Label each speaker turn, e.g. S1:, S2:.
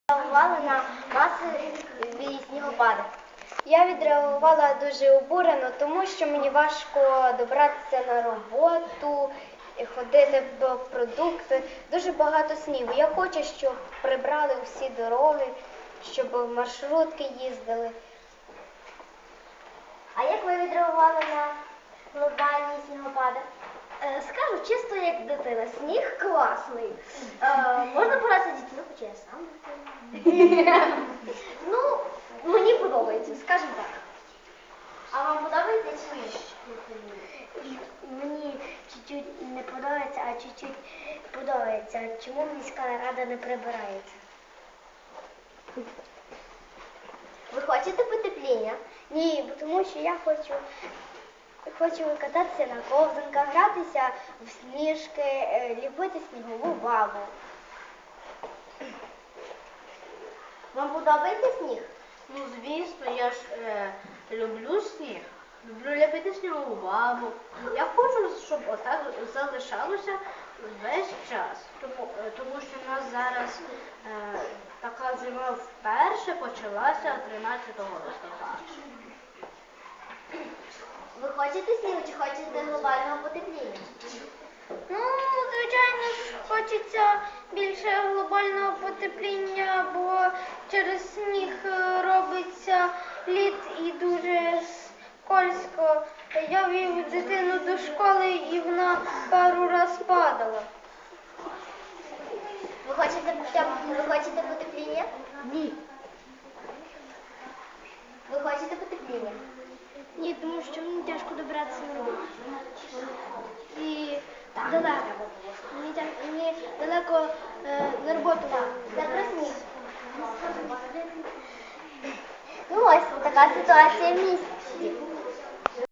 S1: Реагували на масові снігопади.
S2: Я відреагувала дуже обурено, тому що мені важко добратися на роботу, ходити по продукти. Дуже багато снігу. Я хочу, щоб прибрали всі дороги, щоб маршрутки їздили.
S1: А як ви відреагували на глобальні снігопади?
S3: Скажу чисто як дитина. Сніг класний. Можна погратися з дітьми, хоча я сам дитина. Ну, мені подобається, скажімо так.
S1: А вам подобається сніг?
S3: Мені чуть-чуть не подобається, а чуть-чуть подобається. Чому міська рада не прибирається?
S1: Ви хочете потепління?
S2: Ні, бо тому що я хочу кататися на ковзанках, гратися в сніжки, ліпити снігову бабу.
S1: Вам подобається сніг?
S4: Ну, звісно, я ж люблю сніг, люблю ліпити снігову бабу. Я хочу, щоб отак залишалося весь час, тому що в нас зараз така зима вперше почалася 13 листопада.
S1: Ви хочете снігу чи хочете глобального потепління?
S2: Ну, звичайно ж, хочеться більше глобального потепління, бо через сніг робиться лід і дуже скользко. Я вів дитину до школи і вона пару раз падала.
S1: Ви хочете потепління?
S4: Ні.
S1: Ви хочете потепління?
S2: Ні, тому що мені тяжко добратися на роботу. І далеко. Мені далеко на роботу.
S1: Це про сніг. Ну ось така ситуація в місті.